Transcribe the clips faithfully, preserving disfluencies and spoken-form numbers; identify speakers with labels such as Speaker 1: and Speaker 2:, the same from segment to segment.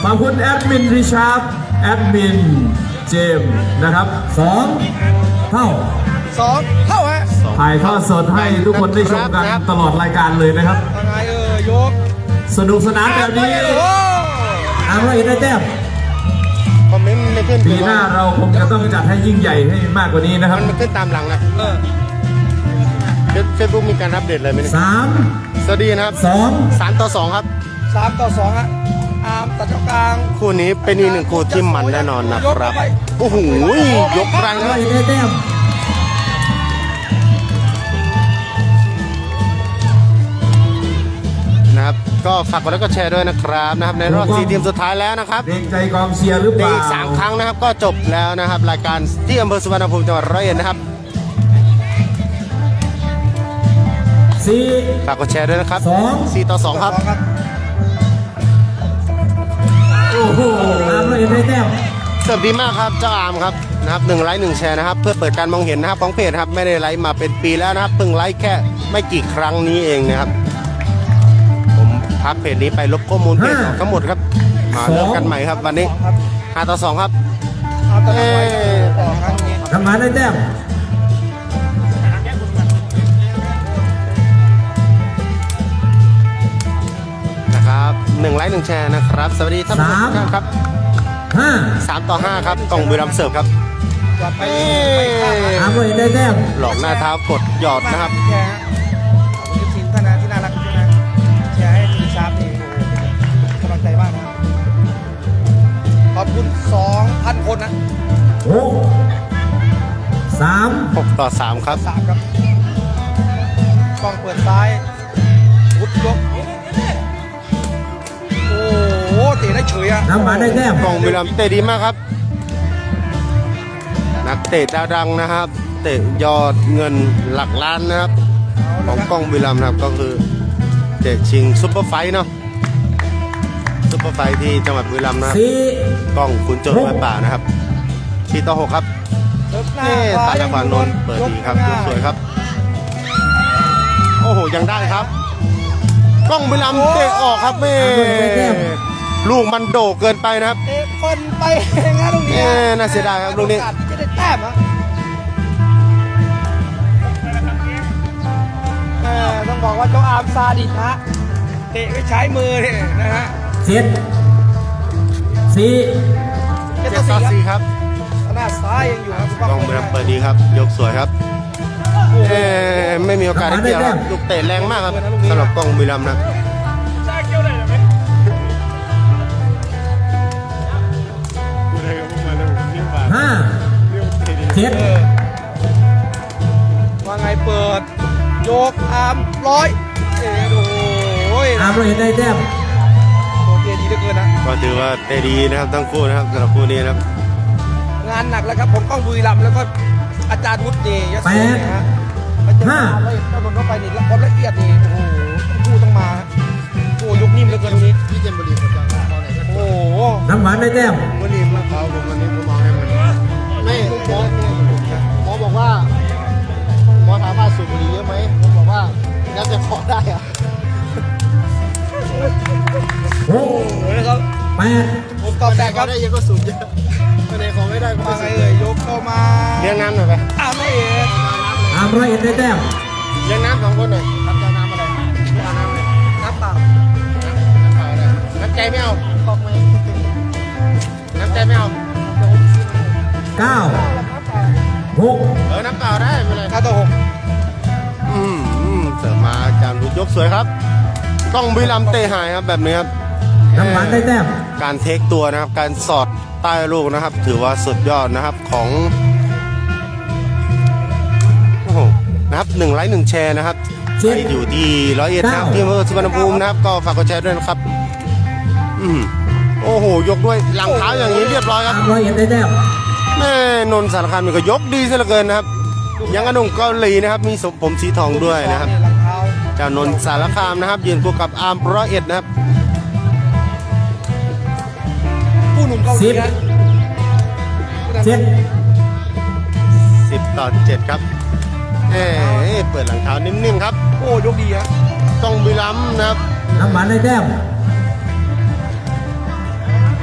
Speaker 1: ขอบคุณแอดมินริชาร์ดแอดมินเจมส์นะครับสองเท่า
Speaker 2: สองเท่าฮะ
Speaker 1: ถ่ายทอดสดให้ทุกคนได้ชมกันตลอดรายการเลยนะครับ
Speaker 2: ยังไงเออยก
Speaker 1: สนุกสนานแบบนี้
Speaker 2: โอ้
Speaker 1: อาร์ร้อยเอ็ดได้แต้ม
Speaker 3: คอมเมนต์ไม่ขึ้น
Speaker 1: ปีหน้าเราคงจะต้องจัดให้ยิ่งใหญ่ให้มากกว่านี้นะครับ
Speaker 3: มันมันขึ้นตามหลังนะ
Speaker 2: เออ
Speaker 3: เฟซบุ๊กมีการอัปเดตอะไรไหมเนี่ย
Speaker 1: สาม
Speaker 3: สวัสดีนะครับ
Speaker 1: สอง
Speaker 3: สามต่อสองครับ
Speaker 2: สามต่อสองฮะอาร์มตัดเจ้ากลาง
Speaker 3: คู่นี้เป็นอีกหนึ่งคู่ที่มันแน่นอนนะครับ โอ้โหยกแรง
Speaker 1: อาร์
Speaker 3: ค
Speaker 1: ร้
Speaker 3: รั
Speaker 1: อบ ยเอ็ดได้แต้ม
Speaker 3: นะครับ ก็ฝากกดไลค์กดแชร์ด้วยนะครับนะครับ ในรอบสี่ทีมสุดท้ายแล้วนะครับ
Speaker 1: เกรงใจกองเชียร์หรือเป
Speaker 3: ใน
Speaker 1: ล่า
Speaker 3: อีกสามครั้งนะครับก็จบแล้วนะครับ รายการที่อำเภอสุวรรณภูมิจังหวัดร้อยเอ็ดนะครับ
Speaker 1: สี่
Speaker 3: ฝากกดแชร์ด้วยนะครับ
Speaker 1: สอง
Speaker 3: สี่ต่อสองครับ
Speaker 1: โอ้โหอาร์ร้อยเอ็ดได้แต้ม
Speaker 3: เสิร์ฟดีมากครับเจ้าอาร์มครับนะครับหนึ่งไลค์หนึ่งแชร์นะครับเพื่อเปิดการมองเห็นนะครับของเพจครับไม่ได้ไลค์มาเป็นปีแล้วนะครับเพิ่งไลค์แค่ไม่กี่ครั้งนี้เองนะครับผมพักเพจนี้ไปลบข้อมูลเพจออกทั้งหมดครับมาเริ่มกันใหม่ครับวันนี้ห้าต่อสองครับ
Speaker 2: อาร์มตัดเจ้าไว้ต่อครั้งนี้
Speaker 1: ทำงานได้แต้ม
Speaker 3: นะครับหนึ่งไลค์หนึ่งแชร์นะครับสวัสดีท่านผู้ชมทุกท่านครับ
Speaker 1: ห้า
Speaker 3: สามต่อห้าครับกล่องบุรีรัมย์เสิร์ฟครับ
Speaker 2: กลับไปไปข้างนะ
Speaker 1: อาร์ร้อยเอ็ดได้แต้ม
Speaker 3: หลอกหน้าเท้ากดหยอดนะครับ
Speaker 2: แชร์ฮะขอบคุณทีมท่านนะที่น่ารักด้วยนะแชร์ให้ทีมชาร์ปนี่โอ้โหเป็นกำลังใจมากนะครับขอบคุณสองพันคนนะ
Speaker 1: หกสาม
Speaker 3: หกต่อสามครับ
Speaker 2: สามครับกล้องเปิดซ้ายวุดยกโอ้โหเตะได้เฉยอะ
Speaker 1: ทำงานได้แต้ม
Speaker 3: กล่องบุรีรัมย์เตะดีมากครับนักเตะดาวดังนะครับ เตะยอดเงินหลักล้านนะครับของกล้องบุรีรัมย์นะครับก็คือเตะชิงซุปเปอร์ไฟท์เนาะซุปเปอร์ไฟท์ที่จังหวัดบุรีรัมย์นะครับ
Speaker 1: สี่
Speaker 3: กล้องขุนโจรไม้ป่านะครับสี่ต่อหกครับ
Speaker 2: เซิร์ฟหน้า
Speaker 3: เอ๊ะตาจังหวะนนท์เปิดดีครับยกสวยครับโอ้โหยังได้ครับกล้องบุรีรัมย์เตะออกครับแม่ลูกมันโด่เกินไปนะครับ
Speaker 2: เตะคนไปงานตรงนี้
Speaker 3: เอ๊ะน่าเสียดายครับลูกนี้
Speaker 2: จะได้แต้มอ่ะเออต้องบอกว่าเจ้าอาร์มซาดิสฮะเตะไม่ใช้มือเนี่ยนะฮะ
Speaker 1: เจ็ดสี่
Speaker 2: เจ็ด
Speaker 3: เจ็
Speaker 2: ต่อ
Speaker 3: ดต่อ
Speaker 2: สี่
Speaker 3: สี่
Speaker 2: ค
Speaker 3: ครับ รับ
Speaker 2: หน้าซ้ายยังอยู่ครับ
Speaker 3: กล้องบุรีรัมย์เปิดดีครับยกสวยครับเอ๊ะไม่มีโอกาสได้เกี่ยวครับลูกเตะแรงมากครับสำหรับกล้องบุรีรัมย์นะ
Speaker 1: ห้าเจ็ด
Speaker 2: เออว่าไงเปิดโยกอาร์มร้อยเอ็ดโอ้ย
Speaker 1: อาร์ร้อยเอ็ดได้แต้ม
Speaker 2: โอเคดีเหลือเกินนะ
Speaker 3: ก็ถือว่าเตะดีนะครับทั้งคู่นะครับสำหรับคู่นี้นะครับ
Speaker 2: งานหนักแล้วครับผมต้องบุรีรัมย์แล้วก็อาจารย์วุฒินี่ยศเนี่ยฮะไปเจออาร์มเลยต้องนนเข้าไปนี่ความละเอียดนี่โอ้โหต้องพูดต้องมาโอ้ยกนิ่มเหลือเกินตรงนี้
Speaker 3: พี่เจมบุรีผมจะเอาไหน
Speaker 2: โอ้โห
Speaker 1: น้ำหวานได้แต้ม
Speaker 3: วันนี้มาเขาผมวันนี้ผมมองให้มันไม่หมอหมอบอกว่าหมอถามว่าสูบบุหรี่เยอะไหมผมบอกว่าน่าจะขอได้อะ
Speaker 1: หก
Speaker 2: โอ้ยนะครับ
Speaker 1: แปด
Speaker 2: ผมตอบแตกครับ
Speaker 3: ได้เยอะก็สูบเยอะไม่ได้ของไม่ได้ก็
Speaker 2: มา
Speaker 3: ไม่
Speaker 2: ไง
Speaker 3: สูบ
Speaker 2: เอ่ยยกเข้ามา
Speaker 3: เลี้ยงน้ำหน่อยไป
Speaker 2: อ้าวไม่เอ็ด
Speaker 1: อาร์ร้อยเอ็ดได้แต้ม
Speaker 3: เลี้ยงน้ำสองคนหน่อยครับจะน้ำอะไรเอาน้ำเลย
Speaker 2: น้ำเปล่า
Speaker 3: น้ำเปล่าเลยน้ำใจไม่เอา
Speaker 2: บอกไหม
Speaker 3: น้ำใจไม่เอา
Speaker 1: เก้าหก
Speaker 3: เออน้ำเปล่าได้ไม่เป็นไร
Speaker 2: เก้าต่อหก
Speaker 3: อืมอืมเสริมมาอาจารย์บุญยกสวยครับกล้องบุรีรัมย์เตะหายครับแบบนี้ครับ
Speaker 1: น้ำหวานได้แต้ม
Speaker 3: การเทคตัวนะครับการสอดใต้ลูกนะครับ ถือว่าสุดยอดนะครับของโอ้โหนะครับหนึ่งไลค์หนึ่งแชร์นะครับ
Speaker 1: เจ็ด
Speaker 3: อยู่ที่ร้อยเอ็ดนะครับ
Speaker 1: เก้า
Speaker 3: ที่อำเภอสุวรรณภูมินะครับก็ฝากกดแชร์ด้วยนะครับอืมโอ้โหยกด้วยหลังเท้าอย่างนี้เรียบร้อยค
Speaker 1: อา
Speaker 3: รับ
Speaker 1: ร์ร้อยเอ็ดได้แต้ม
Speaker 3: แม่นนท์สารคามนี่ก็ยกดีซะเหลือเกินนะครับยังกระดงเกาหลีนะครับมีสมผมสีทองด้วยนะครับ
Speaker 2: หลังเท้า
Speaker 3: เจ้านนท์สารคามนะครับยืนคู่กับอาร์มร้อยเอ็ดนะครับ
Speaker 2: ผู้หนุ่มเกาหลีนะ
Speaker 1: เจ็ด
Speaker 3: สิบต่อเจ็ดครับเอ้ยเปิดหลังเท้านิ่มๆครับ
Speaker 2: โอ้ยกดีฮะ
Speaker 3: ต้องบุรีรัมย์นะครับ
Speaker 1: น้ำหวานได้แต้ม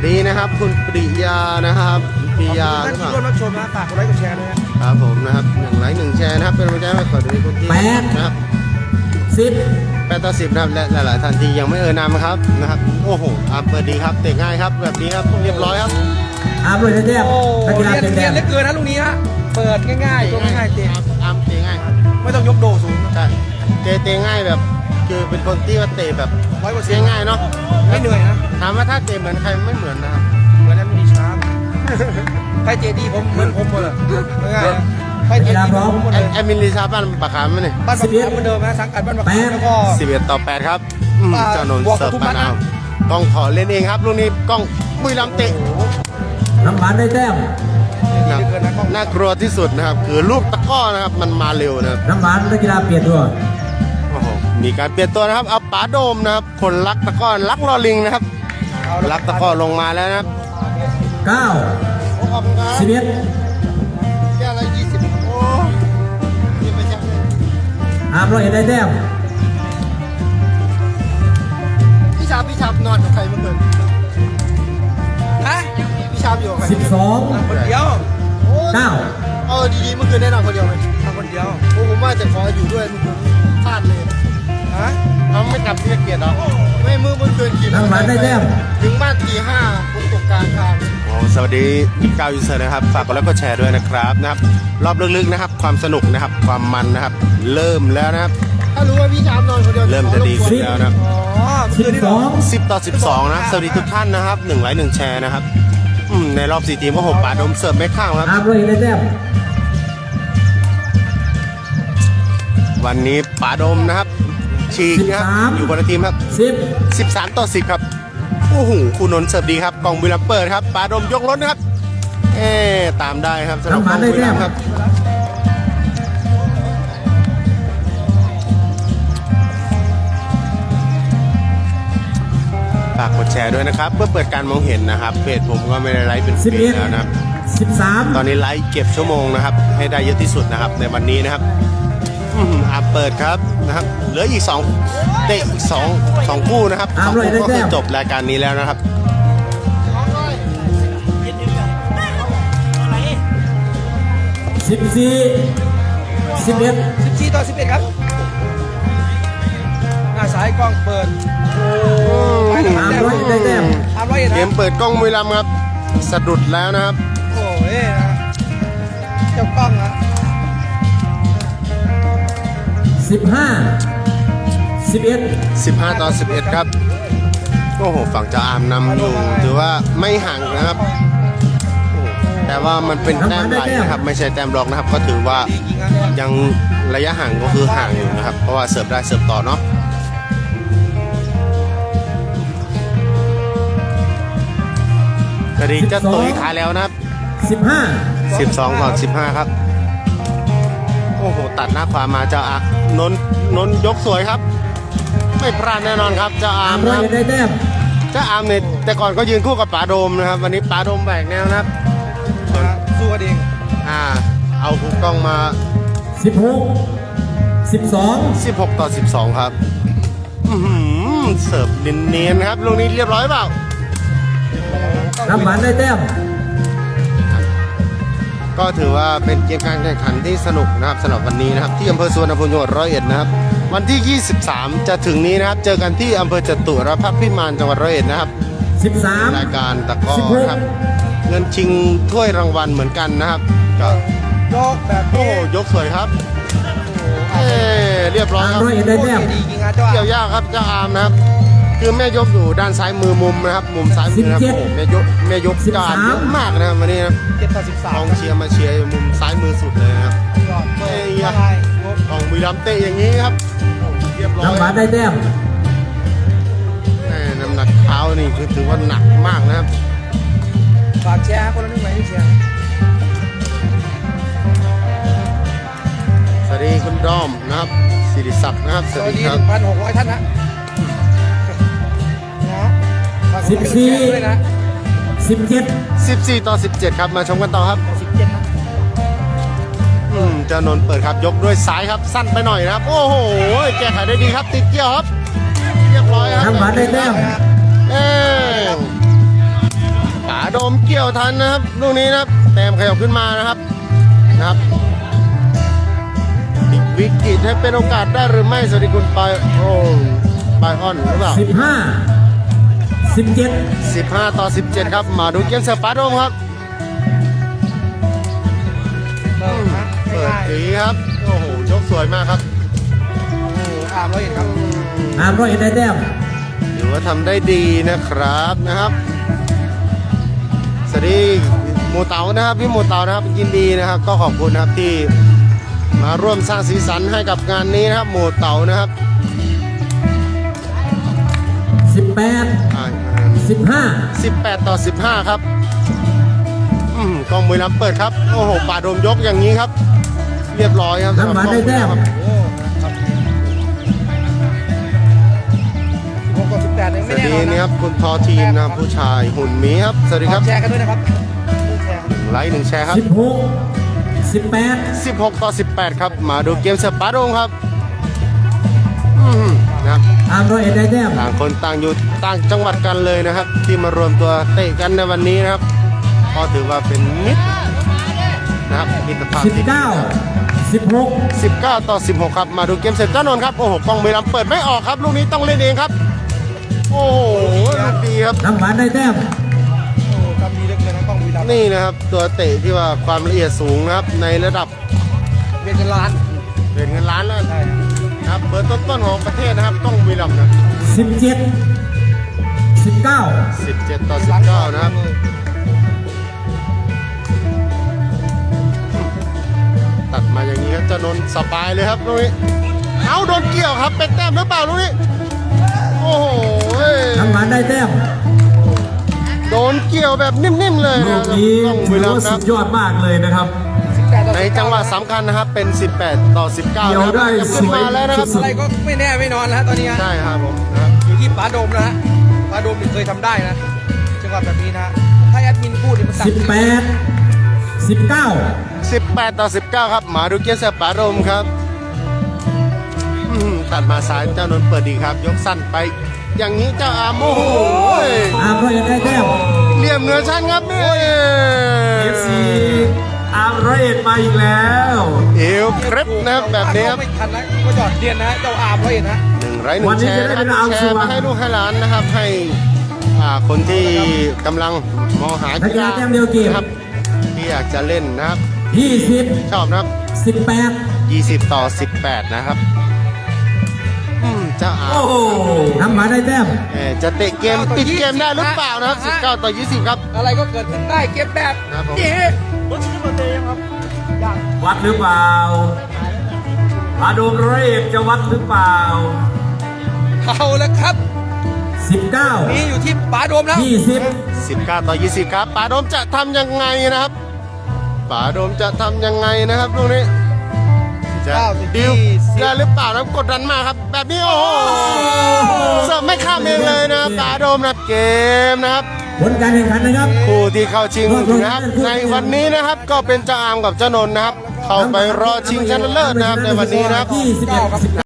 Speaker 3: ดีนะครับ คุณปริยานะครับปริยา
Speaker 2: ท่าน
Speaker 3: หรือเป
Speaker 2: ที่
Speaker 3: ล่า
Speaker 2: ร่วมรับชมนะฝากกดไลค์กดแชร์ด้วยนะครับ
Speaker 3: ผมนะครับหนึ่งไลค์หนึ่งแชร์นะครับเป็นกำลังใจให้ขอดูคุณที่
Speaker 1: แปด
Speaker 3: นะครับ
Speaker 1: สิบ
Speaker 3: แปดต่อสิบนะครับและหลายๆท่านที่ยังไม่เอ่ยนามครับนะครับโอ้โหอ่ะเปิดดีครับเตะง่ายครับแบบนี้ครับเรียบร้อยครับ
Speaker 1: อาร์มรวยได้แต้ม
Speaker 2: โอ้
Speaker 1: นักกีฬา
Speaker 2: เรียน
Speaker 1: เป็น
Speaker 2: เรี
Speaker 1: แต้
Speaker 2: ยน
Speaker 1: ม
Speaker 2: เหลือเกินนะลูกนี้ฮะเปิดง่ายๆตัวง่ายๆเตะ
Speaker 3: อาร์มเตะง่าย
Speaker 2: ไม่ต้องยกโดสูง
Speaker 3: ใช่เตะเตะง่ายแบบ คือเป็นคนที่ว่าเตะแบบ
Speaker 2: ร้อยกว่า
Speaker 3: เตะ
Speaker 2: เสียง
Speaker 3: ง่ายเนาะ
Speaker 2: ไม่เหนื่อยนะ
Speaker 3: ถามว่าถ้าเตะเหมือนใครไม่เหมือนนะครับ
Speaker 2: เหมือนนั้นมีช้างใครเจดีผมเหมือนผมหมดเลยง่ายๆนะใครเจดีผมหมด
Speaker 3: แอ
Speaker 2: เลย
Speaker 3: ดแอดมินลิซาบ้านปากขามไหมเนี่ย
Speaker 2: บ้านบักขามเหมือนเดิมนะสังกัดบ้านบักขามแล้วก็
Speaker 3: สิบเอ็ดต่อแปดครับอืม
Speaker 2: อ่า
Speaker 3: เจ้านนท์
Speaker 2: บวกกับ
Speaker 3: เสิร์ฟ
Speaker 2: ทุก
Speaker 3: ปา
Speaker 2: นัด
Speaker 3: นาว
Speaker 2: นะ
Speaker 3: กล้องขอเล่นเองครับลูกนี้กล้องบุรีรัมย์เตะ
Speaker 1: น้ำหวานได้แต้ม
Speaker 2: เหลือเกินนะกล้อง
Speaker 3: น่ากลัวที่สุดนะครับ คือลูกตะกร้อนะครับมันมาเร็วนะครับ
Speaker 1: น้ำหวานนักกีฬาเปลี่ยนตัว
Speaker 3: โอ้โหมีการเปลี่ยนตัวนะครับเอาป๋าโดมนะครับคนรักตะกร้อรักลอลิงนะครับ
Speaker 2: เอาละ
Speaker 3: รักตะกร้อลงมาแล้วนะครับ
Speaker 1: เก้า
Speaker 3: ขอบคุณครับ
Speaker 1: สิบเอ็ด
Speaker 3: แก้วละยี่สิบโอ้ยไปแจ้งเลย
Speaker 1: อาร์มรวยได้แต้ม
Speaker 3: พี่ชาบพี่ชาบนอนกับใครเมื่อคืน
Speaker 2: ฮะ
Speaker 3: พี่ชาบอยู่กับใคร
Speaker 1: สิบสอง
Speaker 2: คนเดียว
Speaker 1: เก้า
Speaker 3: เออดีๆเมื่อคืนได้นอนคนเดียวไหม
Speaker 2: ทำคนเดียว
Speaker 3: โอ้ผมว่าจะขออยู่ด้วยเมื่อคืนพลาดเลย
Speaker 2: ฮะ
Speaker 3: เราไม่กลับที่เกียรติหรอไม่เมื่อเมื่อคืนขี่
Speaker 1: น้ำหวานได้แต้ม
Speaker 3: ถึงบ้านตีห้าผมตกกลางทางโอ้สวัสดีเก้ายูเซอร์นะครับฝากกดไลค์กดแชร์ด้วยนะครับนะครับรอบลึกๆนะครับความสนุกนะครับความมันนะครับเริ่มแล้วนะครับ
Speaker 4: ถ้ารู้ว่าพี่ชามนอนคนเดียว
Speaker 3: เริ่มจะดีขึ้นแล้วนะครับ
Speaker 2: อ๋อเมื่อ
Speaker 1: สิ
Speaker 2: คื
Speaker 1: บ
Speaker 2: นนี่
Speaker 1: ส
Speaker 2: เหร
Speaker 1: อ
Speaker 2: อง
Speaker 3: สิบต่อสิบสองนะครับสวัสดีทุกท่านนะครับหนึ่งไลค์หนึ่งแชร์นะครับอืมในรอบสี่ทีมก็หกป่าดมเสิร์ฟไม่ข้างครับ
Speaker 1: อาร์มรวยได้แต้ม
Speaker 3: วันนี้ป่าดมนะครับฉีกนะครับอยู่คนละทีมครับ
Speaker 1: สิบ
Speaker 3: สิบสามต่อสิบครับโอ้โหคุณนนท์เสิร์ฟดีครับกล่องบุรีรัมย์เปิดครับป่าดมยกรถนะครับเอ๊ะตามได้ครับสำหรับกล่องบุรีรัมย์ครับฝากกดแชร์ด้วยนะครับเพื่อเปิดการมองเห็นนะครับเพจผมก็ไม่ได้ไลฟ์เป็น
Speaker 1: สิบ
Speaker 3: ปี
Speaker 1: เอ็ด
Speaker 3: แล้วนะครับ
Speaker 1: สิบสาม
Speaker 3: ตอนนี้ไลฟ์เก็บชั่วโมงนะครับให้ได้เยอะที่สุดนะครับในวันนี้นะครับอืมอ่ะเปิดครับนะครับเหลืออีกสองเตะอีกสองสองคู่นะครับสองคู่ก็คือจบรายการนี้แล้วนะครับ
Speaker 1: สิบสี่สิบเอ็ด
Speaker 2: สิบสี่ต่อสิบเอ็ดครับหน้าซ้ายกล้องเปิดโอ้ไปแล้ว
Speaker 1: อาร์ม
Speaker 2: แต้
Speaker 1: รวยได้แต้ม
Speaker 2: อาร์มร้อยเอ็ด
Speaker 3: เก
Speaker 2: นะ
Speaker 3: มเปิดกล้องบุรีรัมย์ครับสะดุดแล้วนะครับ
Speaker 2: โอ้ยนะเจ้ากล้องนะ
Speaker 1: สิบห้าสิบเอ็ด
Speaker 3: สิบห้าต่อสิบเอ็ดครับโอ้โหฝั่งเจ้าอามนำอยู่ถือว่าไม่ห่างนะครับโอ้แต่ว่ามันเป็นแต้มไหลนะครับไม่ใช่แต้มรองนะครับ ก็ถือว่า
Speaker 2: ดีจริงนะ
Speaker 3: ยังระยะห่างก็คือห่างอยู่นะครับ เพราะว่าเสิร์ฟได้เสิร์ฟต่อเนาะสวัสดีเจ้าตุ๋ยขายแล้วนะครับ
Speaker 1: สิบห้า
Speaker 3: สิบสองต่อสิบห้าครับ โอ้โห ตัดหน้าขวามาเจ้าอานนท์นนท์ยกสวยครับ ไม่พลาดแน่นอนครับเจ้าอา
Speaker 1: อา
Speaker 3: ร์
Speaker 1: ร์
Speaker 3: ม
Speaker 1: มรว
Speaker 3: นะ
Speaker 1: ย
Speaker 3: ครับ
Speaker 1: ได้แต้ม
Speaker 3: เจ้าอาร์มเนี่ยแต่ก่อนก็ยืนคู่กับป๋าโดมนะครับ วันนี้ป๋าโดมแบกแนวนะครับ
Speaker 2: นะสู้กันเอง
Speaker 3: อ่า เอาคูกล้องมา
Speaker 1: สิบหกสิบสอง
Speaker 3: สิบหกต่อสิบสองครับอื้อหือเสิร์ฟเนียนๆนะครับลูกนี้เรียบร้อยเปล่า
Speaker 1: น้ำหวานได้แต้ม
Speaker 3: ก็ถือว่าเป็นเกมการแข่งขันที่สนุกนะครับสำหรับวันนี้นะครับที่อำเภอสุวรรณภูมิจังหวัดร้อยเอ็ดนะครับวันที่ ยี่สิบสาม จะถึงนี้นะครับเจอกันที่อำเภอจตุรพักษ์พิมานจังหวัดร้อยเอ็ดนะครับ
Speaker 1: สิบสาม
Speaker 3: รายการตะกร้อ
Speaker 1: สิบหก
Speaker 3: ครับเงินชิงถ้วยรางวัลเหมือนกันนะครับก็
Speaker 2: ยกแบบ
Speaker 3: โอ้
Speaker 2: นี้
Speaker 3: โหยกสวยครับเอ้เรียบร้อย
Speaker 1: อาร์
Speaker 3: ค
Speaker 1: ม
Speaker 3: รับ
Speaker 1: รวยได้แต้ม
Speaker 2: ดีจริงนะเจ้า
Speaker 3: เกี่ยวยากครับเจ้าอามนะครับคือแม่ยกอยู่ด้านซ้ายมือมุมนะครับมุมซ้ายมือนะครับ
Speaker 1: สิบเจ็ด
Speaker 3: โอ้โหแม่ยกแม่ยก
Speaker 1: สิบ
Speaker 3: เจ้า
Speaker 1: สาม
Speaker 3: อามเยอะมากนะครับวันนี้นะครับ
Speaker 2: เจ็ดต่อสิบสาก ม
Speaker 3: องเชียร์มาเชียร์อยู่มุมซ้ายมือสุดเลยนะครับ
Speaker 2: ยอดเปิด
Speaker 3: เอ้ย
Speaker 2: อะไรยก
Speaker 3: กองบุรีรัมย์เตะอย่างนี้ครับเรียบร้อย
Speaker 1: น้ำหวานได้แต้ม
Speaker 3: แม่น้ำหนักเท้านี่คือถือว่าหนักมากนะครับ
Speaker 2: ฝากแชร์คนละหนึ่งไหมที่แชร์
Speaker 3: สวัสดีคุณดอมนะครับสิริศักดิ์นะครับส
Speaker 2: ส
Speaker 3: วัส
Speaker 2: วัส
Speaker 3: ดี
Speaker 2: ดี
Speaker 3: ค
Speaker 2: ห
Speaker 3: รับ
Speaker 2: นึ่งพันหกร้อยท่านนะนะฝากกดไลค์กดแชร์ด้วยนะ
Speaker 1: สิบเจ็ด
Speaker 3: สิบสี่ต่อสิบเจ็ดครับมาชมกันต่อครับ
Speaker 2: สิบเจ็ดนะ
Speaker 3: อืมเจ้านนท์เปิดครับยกด้วยซ้ายครับสั้นไปหน่อยนะครับ โอ้โหแก้ไขได้ดีครับติดเกี่ยวครับเรียบร้อยครับ
Speaker 1: น้ำหวานได้แต้ม
Speaker 3: เอ้ยโดมเกี่ยวทันนะครับลูกนี้นะครับแต้มขยับขึ้นมานะครับนะครับพลิกวิกฤตให้เป็นโอกาสได้หรือไม่สวัสดีคุณปายโอ้ปายออนหรือเปล่า
Speaker 1: สิบห้า สิบเจ็ด
Speaker 3: สิบห้าต่อสิบเจ็ดครับมาดูเกมเสิร์ฟปาโดมครับ
Speaker 2: เปิดนะ
Speaker 3: เปิด
Speaker 2: ง่าย
Speaker 3: ตีครับโอ้โหชกสวยมากครับ
Speaker 2: ๆโอ้โหอามร้อยเอ็ดครับ
Speaker 1: อาร์มร้อยเอ็ดได้แต้ม
Speaker 3: ถือว่าทำได้ดีนะครับนะครับสวัสดีหมูเต๋านะครับพี่หมูเต๋านะครับยินดีนะครับ ก็ขอบคุณนะครับที่มาร่วมสร้างสีสันให้กับงานนี้นะครับหมูเต๋านะครับ
Speaker 1: สิบแปด
Speaker 3: อ่า
Speaker 1: สิบห้า
Speaker 3: สิบแปดต่อสิบห้าครับอืมกองบุรีรัมย์เปิดครับโอ้โหป่าโดมยกอย่างนี้ครับ เรียบร้อยครับ
Speaker 1: น้ำหวานได้แต้ม
Speaker 2: โอ้ครับสิบหกต่อสิบแปดยัง
Speaker 3: ส
Speaker 2: ไม่
Speaker 3: วัส
Speaker 2: แน่
Speaker 3: ดี
Speaker 2: นอน
Speaker 3: นี่
Speaker 2: นะ
Speaker 3: ครับคุณทอทีมนะครับผู้ชายหุ่นหมีครับสวัสดีครับ
Speaker 2: แชร์กันด้วยนะครับแชร์
Speaker 3: ไลค์หนึ่งแชร์ครับ
Speaker 1: สิบหก สิบแปด
Speaker 3: สิบหกต่อสิบแปดครับมาดูเกมเสิร์ฟป่าโดมครับอืมนะครับ
Speaker 1: อาร์มร้อยเอ็ดได้แต้ม
Speaker 3: ต่างคนต่างอยู่ต่างจังหวัดกันเลยนะครับ ที่มารวมตัวเตะกันในวันนี้นะครับก็ถือว่าเป็นมิตรนะครับมิตรภาพ
Speaker 1: สิบ
Speaker 3: ที่ดี
Speaker 1: เก้า สิบหก
Speaker 3: สิบเก้าต่อสิบหกครับมาดูเกมเสร็จเจ้านนท์ครับโอ้โหกองบุรีรัมย์เปิดไม่ออกครับลูกนี้ต้องเล่นเองครับโอ้โหลูกดีครับ
Speaker 1: น้ำหวานได้แต้ม
Speaker 2: โอ้ทำดีเหลือเกินนะกล้องบุรีรัมย์
Speaker 3: นี่นะครับตัวเตะที่ว่าความละเอียดสูงนะครับในระดับ
Speaker 2: เป็นเงินล้าน
Speaker 3: เหรียญเงินล้านแล้ว
Speaker 2: ใช่
Speaker 3: นะครับเบอร์ต้นๆของประเทศนะครับกองบุรีรัมย์นะ
Speaker 1: สิบเจ็ด สิบเก้า
Speaker 3: สิบเจ็ดต่อสิบเก้านะครับตัดมาอย่างนี้ครับเจ้านนท์สบายเลยครับลูกนี้เอาโดนเกี่ยวครับเป็นแต้มหรือเปล่าลูกนี้โอ้โห
Speaker 1: น้ำหวานได้แต้ม
Speaker 3: โดนเกี่ยวแบบนิ่มๆเลย
Speaker 1: ลู
Speaker 3: นะ
Speaker 1: ก
Speaker 3: ครับ
Speaker 1: นี้
Speaker 3: กล้องบุ
Speaker 1: ถื
Speaker 3: รี
Speaker 1: อ
Speaker 3: รัม
Speaker 1: ว่า
Speaker 3: ย์นะค
Speaker 1: สุ
Speaker 3: รับ
Speaker 1: ดยอดมากเลยนะครับ
Speaker 2: สิบแปดต่อ
Speaker 3: ใน
Speaker 2: สิบเก้า
Speaker 3: จังหวะสำคัญนะครับเป็น สิบแปดต่อสิบเก้า
Speaker 1: เกี่ยวได้
Speaker 3: นะครับขึ้นมาแล้วนะครับ
Speaker 1: สวย
Speaker 2: อะไรก็ไม่แน่ไม่นอนแล้วฮะตอนนี้ฮะ
Speaker 3: ใช่ครับผมนะครับ
Speaker 2: อยู่ที่ป๋าโดมนะฮะป๋าโดมนี่เคยทำได้นะจังหวะแบบนี้นะถ้าแอดมินพูดนี่มันตัด
Speaker 1: สิบแปด สิบเก้า
Speaker 3: สิบแปดต่อสิบเก้าครับมาดูเกียร์เสปารมครับอืมตัดมาซ้ายเจ้านนท์เปิดดีครับ ยกสั้นไป อย่างนี้เจ้าอาร์มโอ้โห
Speaker 1: อาร์มร้อยเอ็ดได้แต้ม
Speaker 3: เหลี่ยมเหนือชั้นครับนี่
Speaker 1: เอฟซีอาร์มร้อยเอ็ดมาอีกแล้ว
Speaker 3: เอวเคร็บนะครับแบบนี้ครับ
Speaker 2: ไม่ทันนะก็หยอดเรียนนะเจ้าอาร์มไว้นะ
Speaker 3: หนึ่งไร้หนึ่
Speaker 1: วัน
Speaker 3: ง
Speaker 1: นี้
Speaker 3: แช
Speaker 1: จะ
Speaker 3: ร์
Speaker 1: ได้
Speaker 3: นะค
Speaker 1: เป็
Speaker 3: รับ
Speaker 1: นอาร์ม
Speaker 3: แช
Speaker 1: ส
Speaker 3: ร์
Speaker 1: ว
Speaker 3: มาร ให้ลูกให้หลานนะครับให้อ่าคนที่กำลังมองหา
Speaker 1: นักกีฬาแต้มเดียวเกม
Speaker 3: นะครับที่อยากจะเล่นนะครับ
Speaker 1: ยี่สิบ
Speaker 3: ชอบนะครับ
Speaker 1: สิบแปด
Speaker 3: ยี่สิบต่อสิบแปดนะครับอืมเจ้าอา
Speaker 1: โอ้โหน้ำหวานได้แต้ม
Speaker 3: เอ่อจะเตะเกมปิดเกมได้หรือเปล่านะครับสิบเก้าต่อยี่สิบครับ
Speaker 2: อะไรก็เกิดขึ้นได้เก็บแบบ
Speaker 3: ครับผม
Speaker 2: นี้รถชิ้นเบอร์เตยังครับยัง
Speaker 1: วัดหรือเปล่าอาโดมร้อยเอ็ดจะวัดหรือเปล่า
Speaker 2: เอาแล้วครับ
Speaker 1: สิบเก้า
Speaker 2: นี่อยู่ที่ป๋าโดมแล้ว
Speaker 1: ยี่สิบ
Speaker 3: สิบเก้าต่อยี่สิบครับป๋าโดมจะทำยังไงนะครับป๋าโดมจะทำยังไงนะครับลูกนี้จะ
Speaker 2: เก้าสิบ
Speaker 3: ดิว
Speaker 2: ยี่สิบ
Speaker 3: ได้หรือเปล่านะครับกดดันมากครับ แบบนี้โอ้โหเสิร์ฟไม่ข้ามเองเลยนะครับป๋าโดมนะครับเกมนะครับ
Speaker 1: ผลการแข่งขันนะครับ
Speaker 3: คู่ที่เข้าชิงนะครับในวันนี้นะครับก็เป็นเจ้าอามกับเจ้านนท์นะครับ เข้าไปรอชิงชนะเลิศนะครับในวันนี้นะครับ
Speaker 1: ยี่สิบเอ็ด